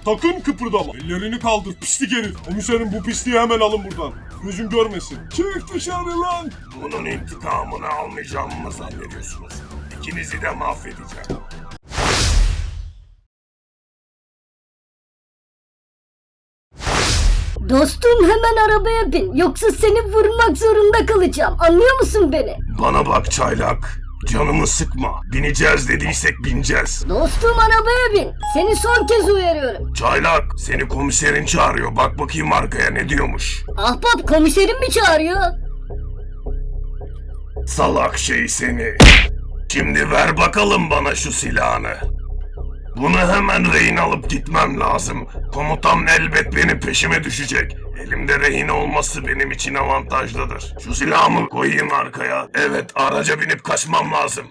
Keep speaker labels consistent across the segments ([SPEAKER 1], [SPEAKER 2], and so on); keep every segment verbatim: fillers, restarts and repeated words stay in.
[SPEAKER 1] Sakın kıpırdama. Ellerini kaldır pislik herif. Komiserim bu pisliği hemen alın buradan. Gözüm görmesin. Çık dışarı lan.
[SPEAKER 2] Bunun intikamını almayacağımı mı zannediyorsunuz? İkinizi de mahvedeceğim.
[SPEAKER 3] Dostum hemen arabaya bin. Yoksa seni vurmak zorunda kalacağım. Anlıyor musun beni?
[SPEAKER 2] Bana bak çaylak. Canımı sıkma. Bineceğiz dediysek bineceğiz.
[SPEAKER 3] Dostum arabaya bin. Seni son kez uyarıyorum.
[SPEAKER 2] Çaylak, seni komiserin çağırıyor. Bak bakayım arkaya ne diyormuş.
[SPEAKER 3] Ahbap komiserim mi çağırıyor?
[SPEAKER 2] Salak şey seni. Şimdi ver bakalım bana şu silahını. Bunu hemen rehin alıp gitmem lazım. Komutan elbet benim peşime düşecek. Elimde rehin olması benim için avantajlıdır. Şu silahımı koyayım arkaya. Evet, araca binip kaçmam lazım.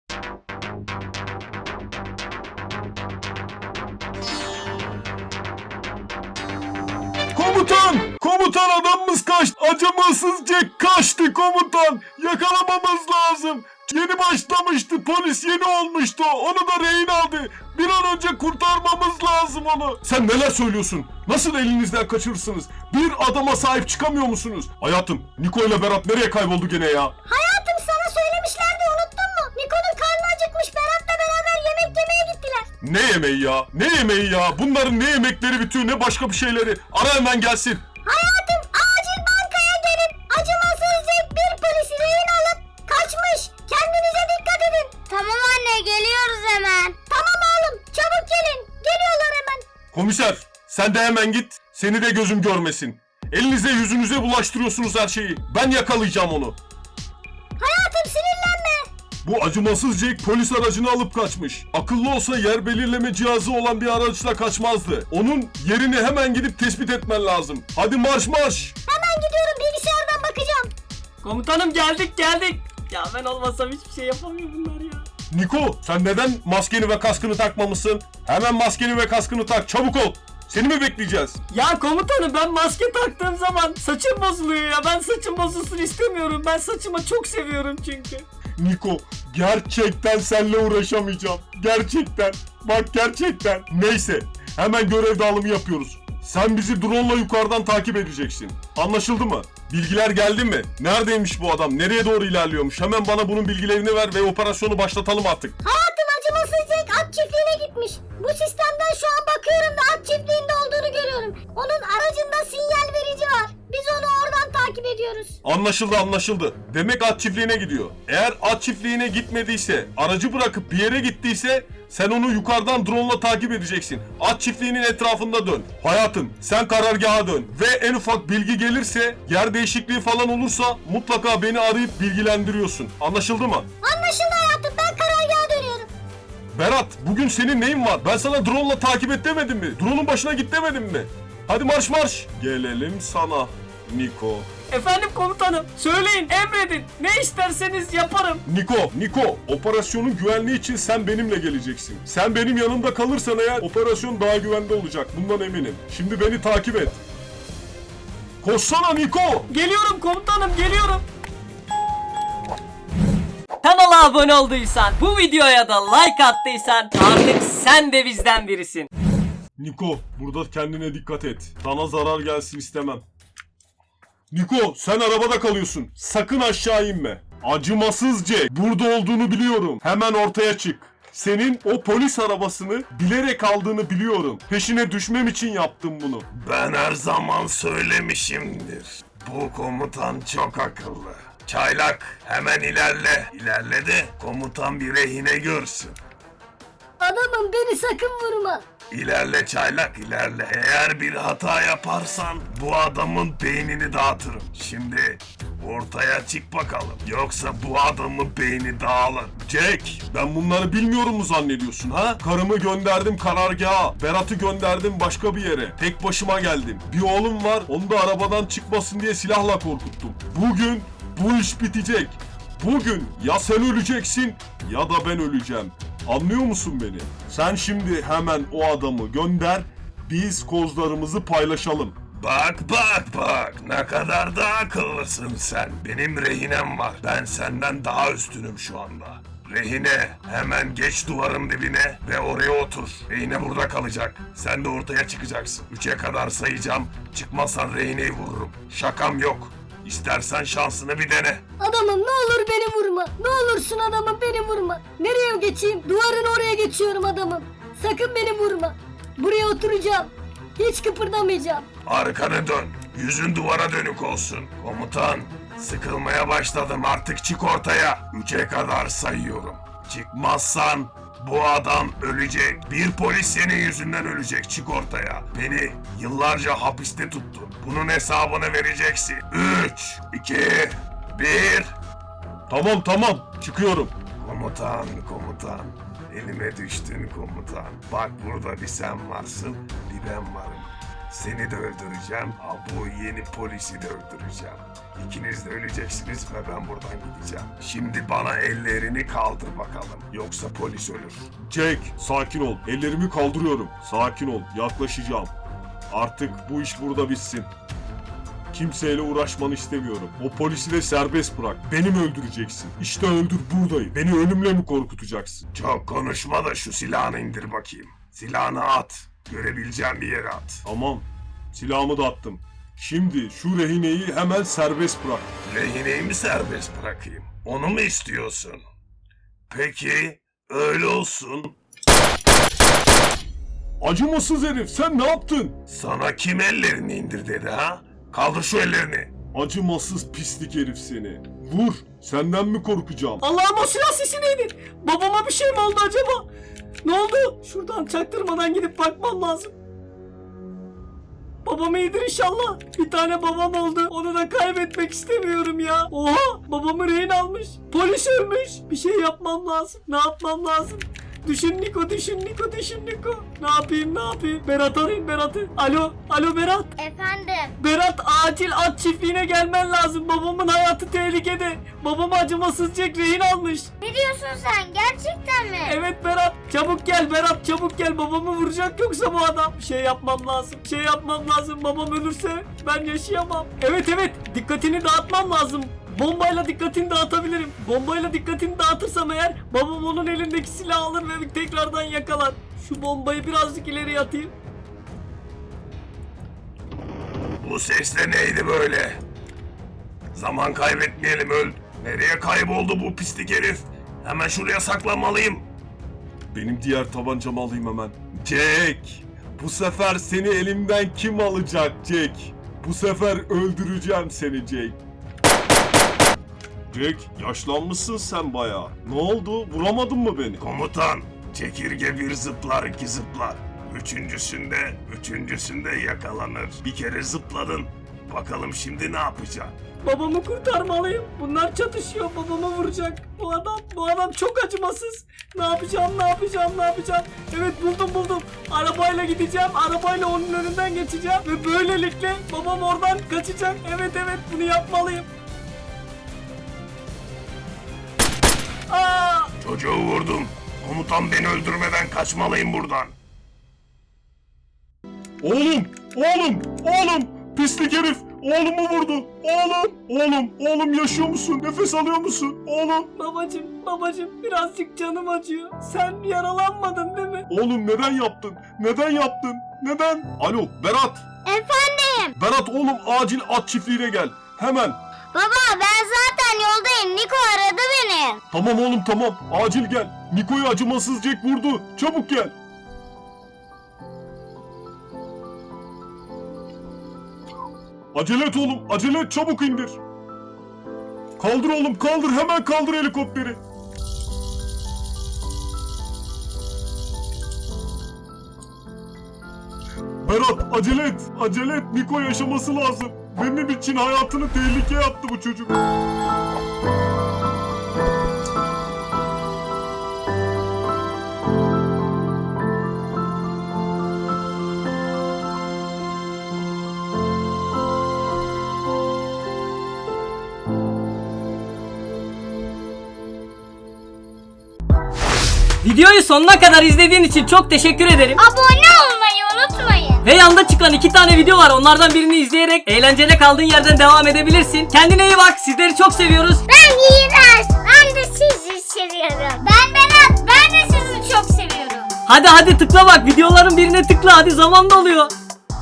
[SPEAKER 1] Komutan! Komutan adamımız kaçtı. Acımasızca kaçtı komutan. Yakalamamız lazım. Yeni başlamıştı. Polis yeni olmuştu. Onu da rehin aldı. Bir an önce kurtarmamız lazım onu. Sen neler söylüyorsun? Nasıl elinizden kaçırırsınız? Bir adama sahip çıkamıyor musunuz? Hayatım, Niko ile Berat nereye kayboldu gene ya?
[SPEAKER 3] Hayatım sana söylemişlerdi unuttun mu? Niko'nun karnı acıkmış. Berat'la beraber yemek yemeye gittiler.
[SPEAKER 1] Ne yemeği ya? Ne yemeği ya? Bunların ne yemekleri bitiyor ne başka bir şeyleri. Ara hemen gelsin.
[SPEAKER 3] Hayatım acil bankaya gelin. Acımasızca bir polisi rehin alıp kaçmış. Kendinize dikkat edin. Tamam anne geliyoruz hemen. Tamam oğlum çabuk gelin. Geliyorlar hemen.
[SPEAKER 1] Komiser, sen de hemen git. Seni de gözüm görmesin. Elinize yüzünüze bulaştırıyorsunuz her şeyi. Ben yakalayacağım onu.
[SPEAKER 3] Hayatım sinirlenme.
[SPEAKER 1] Bu acımasız Jack polis aracını alıp kaçmış. Akıllı olsa yer belirleme cihazı olan bir araçla kaçmazdı. Onun yerini hemen gidip tespit etmen lazım. Hadi marş marş.
[SPEAKER 3] Hemen gidiyorum bilgisayardan bakacağım.
[SPEAKER 4] Komutanım geldik geldik. Ya ben olmasam hiçbir şey yapamıyor bunlar ya.
[SPEAKER 1] Niko, sen neden maskeni ve kaskını takmamışsın? Hemen maskeni ve kaskını tak, çabuk ol. Seni mi bekleyeceğiz?
[SPEAKER 4] Ya komutanım ben maske taktığım zaman saçım bozuluyor ya. Ben saçım bozulsun istemiyorum. Ben saçımı çok seviyorum çünkü.
[SPEAKER 1] Niko, gerçekten seninle uğraşamayacağım. Gerçekten. Bak gerçekten. Neyse, hemen görev dağılımı yapıyoruz. Sen bizi drone'la yukarıdan takip edeceksin. Anlaşıldı mı? Bilgiler geldi mi? Neredeymiş bu adam? Nereye doğru ilerliyormuş? Hemen bana bunun bilgilerini ver ve operasyonu başlatalım artık.
[SPEAKER 3] Hayatım acımasız Jack at çiftliğine gitmiş. Bu sistemden şu an bakıyorum da at çiftliğinde olduğunu görüyorum. Onun aracında sinyal verici var. Biz onu oradan takip ediyoruz.
[SPEAKER 1] Anlaşıldı anlaşıldı. Demek at çiftliğine gidiyor. Eğer at çiftliğine gitmediyse, aracı bırakıp bir yere gittiyse sen onu yukarıdan drone'la takip edeceksin. At çiftliğinin etrafında dön. Hayatım sen karargaha dön. Ve en ufak bilgi gelirse, yer değişikliği falan olursa mutlaka beni arayıp bilgilendiriyorsun. Anlaşıldı mı?
[SPEAKER 3] Anlaşıldı hayatım ben karargaha dönüyorum.
[SPEAKER 1] Berat bugün senin neyin var? Ben sana drone'la takip et demedim mi? Drone'un başına git demedim mi? Hadi marş marş. Gelelim sana Niko.
[SPEAKER 4] Efendim komutanım söyleyin emredin. Ne isterseniz yaparım.
[SPEAKER 1] Niko, Niko, operasyonun güvenliği için sen benimle geleceksin. Sen benim yanımda kalırsan eğer operasyon daha güvende olacak. Bundan eminim. Şimdi beni takip et. Koşsana Niko.
[SPEAKER 4] Geliyorum komutanım geliyorum. Kanala abone olduysan, bu videoya da like attıysan artık sen de bizden birisin.
[SPEAKER 1] Niko, burada kendine dikkat et. Sana zarar gelsin istemem. Niko, sen arabada kalıyorsun. Sakın aşağı inme. Acımasızca burada olduğunu biliyorum. Hemen ortaya çık. Senin o polis arabasını bilerek aldığını biliyorum. Peşine düşmem için yaptım bunu.
[SPEAKER 2] Ben her zaman söylemişimdir. Bu komutan çok akıllı. Çaylak hemen ilerle. İlerle de komutan bir rehine görsün.
[SPEAKER 3] Adamım beni sakın vurma.
[SPEAKER 2] İlerle çaylak ilerle. Eğer bir hata yaparsan bu adamın beynini dağıtırım. Şimdi ortaya çık bakalım. Yoksa bu adamın beyni dağılır.
[SPEAKER 1] Jack, ben bunları bilmiyorum mu zannediyorsun ha? Karımı gönderdim karargaha. Berat'ı gönderdim başka bir yere. Tek başıma geldim. Bir oğlum var, onu da arabadan çıkmasın diye silahla korkuttum. Bugün bu iş bitecek. Bugün ya sen öleceksin ya da ben öleceğim. Anlıyor musun beni? Sen şimdi hemen o adamı gönder, biz kozlarımızı paylaşalım.
[SPEAKER 2] Bak bak bak ne kadar da akıllısın sen. Benim rehinem var. Ben senden daha üstünüm şu anda. Rehine hemen geç duvarın dibine ve oraya otur. Rehine burada kalacak. Sen de ortaya çıkacaksın. Üçe kadar sayacağım. Çıkmazsan rehineyi vururum. Şakam yok. İstersen şansını bir dene.
[SPEAKER 3] Adamım ne olur beni vurma. Ne olursun adamım beni vurma. Nereye geçeyim? Duvarın oraya geçiyorum adamım. Sakın beni vurma. Buraya oturacağım. Hiç kıpırdamayacağım.
[SPEAKER 2] Arkanı dön. Yüzün duvara dönük olsun. Komutan, sıkılmaya başladım. Artık çık ortaya. Üçe kadar sayıyorum. Çıkmazsan bu adam ölecek. Bir polis senin yüzünden ölecek. Çık ortaya. Beni yıllarca hapiste tuttun. Bunun hesabını vereceksin. Üç, iki, bir.
[SPEAKER 1] Tamam tamam çıkıyorum.
[SPEAKER 2] Komutan, komutan. Elime düştün komutan. Bak burada bir sen varsın, bir ben varım. Seni de öldüreceğim, ha bu yeni polisi de öldüreceğim. İkiniz de öleceksiniz ve ben buradan gideceğim. Şimdi bana ellerini kaldır bakalım, yoksa polis ölür.
[SPEAKER 1] Jack sakin ol. Ellerimi kaldırıyorum. Sakin ol. Yaklaşacağım. Artık bu iş burada bitsin. Kimseyle uğraşmanı istemiyorum. O polisi de serbest bırak. Beni mi öldüreceksin? İşte öldür buradayım. Beni ölümle mi korkutacaksın?
[SPEAKER 2] Çok konuşma da şu silahını indir bakayım. Silahını at. Görebileceğim bir yere at.
[SPEAKER 1] Tamam. Silahımı da attım. Şimdi şu rehineyi hemen serbest bırak.
[SPEAKER 2] Rehineyi mi serbest bırakayım? Onu mu istiyorsun? Peki, öyle olsun.
[SPEAKER 1] Acımasız herif sen ne yaptın?
[SPEAKER 2] Sana kim ellerini indir dedi ha? Kaldır şu ellerini.
[SPEAKER 1] Acımasız pislik herif seni. Vur. Senden mi korkacağım?
[SPEAKER 4] Allah'ım o silah sesi neydi? Babama bir şey mi oldu acaba? Ne oldu? Şuradan çaktırmadan gidip bakmam lazım. Babam iyidir inşallah. Bir tane babam oldu. Onu da kaybetmek istemiyorum ya. Oha! Babamı rehin almış. Polis ölmüş. Bir şey yapmam lazım. Ne yapmam lazım? Düşün Niko, düşün Niko, düşün Niko. Ne yapayım, ne yapayım? Berat arayayım Berat'ı. Alo, alo Berat.
[SPEAKER 3] Efendim.
[SPEAKER 4] Berat acil at çiftliğine gelmen lazım. Babamın hayatı tehlikede. Babamı acımasızca rehin almış.
[SPEAKER 3] Ne diyorsun sen? Gerçekten mi?
[SPEAKER 4] Evet Berat. Çabuk gel Berat, çabuk gel. Babamı vuracak yoksa bu adam. Bir şey yapmam lazım. Bir şey yapmam lazım. Babam ölürse ben yaşayamam. Evet evet. Dikkatini dağıtmam lazım. Bombayla dikkatini dağıtabilirim. Bombayla dikkatini dağıtırsam eğer babam onun elindeki silahı alır ve tekrardan yakalar. Şu bombayı birazcık ileri atayım.
[SPEAKER 2] Bu ses de neydi böyle? Zaman kaybetmeyelim öl. Nereye kayboldu bu pislik herif? Hemen şuraya saklanmalıyım.
[SPEAKER 1] Benim diğer tabancamı alayım hemen. Jack! Bu sefer seni elimden kim alacak Jack? Bu sefer öldüreceğim seni Jack. Jack yaşlanmışsın sen bayağı. Ne oldu? Vuramadın mı beni?
[SPEAKER 2] Komutan, çekirge bir zıplar iki zıplar. Üçüncüsünde, üçüncüsünde yakalanır. Bir kere zıpladın. Bakalım şimdi ne yapacaksın?
[SPEAKER 4] Babamı kurtarmalıyım. Bunlar çatışıyor. Babamı vuracak. Bu adam, bu adam çok acımasız. Ne yapacağım, ne yapacağım, ne yapacağım? Evet buldum buldum. Arabayla gideceğim. Arabayla onun önünden geçeceğim. Ve böylelikle babam oradan kaçacak. Evet evet bunu yapmalıyım. Aa!
[SPEAKER 2] Çocuğu vurdum. Komutan beni öldürmeden kaçmalıyım buradan.
[SPEAKER 1] Oğlum! Oğlum! Oğlum! Pislik herif! Oğlumu vurdu! Oğlum! Oğlum! Oğlum yaşıyor musun? Nefes alıyor musun? Oğlum!
[SPEAKER 4] Babacım, babacım birazcık canım acıyor. Sen yaralanmadın değil mi?
[SPEAKER 1] Oğlum neden yaptın? Neden yaptın? Neden? Alo Berat!
[SPEAKER 3] Efendim.
[SPEAKER 1] Berat oğlum acil at çiftliğine gel. Hemen.
[SPEAKER 3] Baba ben zaten yoldayım. Niko aradı beni.
[SPEAKER 1] Tamam oğlum tamam. Acil gel. Niko'yu acımasız Jack vurdu. Çabuk gel. Acele et oğlum. Acele et. Çabuk indir. Kaldır oğlum kaldır. Hemen kaldır helikopteri. Berat acele et. Acele et. Niko yaşaması lazım. Benim için hayatını tehlikeye attı bu çocuk.
[SPEAKER 4] Videoyu sonuna kadar izlediğin için çok teşekkür ederim.
[SPEAKER 3] Abone olmayı unutmayın.
[SPEAKER 4] Ve yanda çıkan iki tane video var. Onlardan birini izleyerek eğlenceli kaldığın yerden devam edebilirsin. Kendine iyi bak. Sizleri çok seviyoruz.
[SPEAKER 3] Ben iğrenç. Ben de sizi seviyorum. Ben Berat. Ben de sizi çok seviyorum.
[SPEAKER 4] Hadi hadi tıkla bak, videoların birine tıkla, hadi zaman doluyor.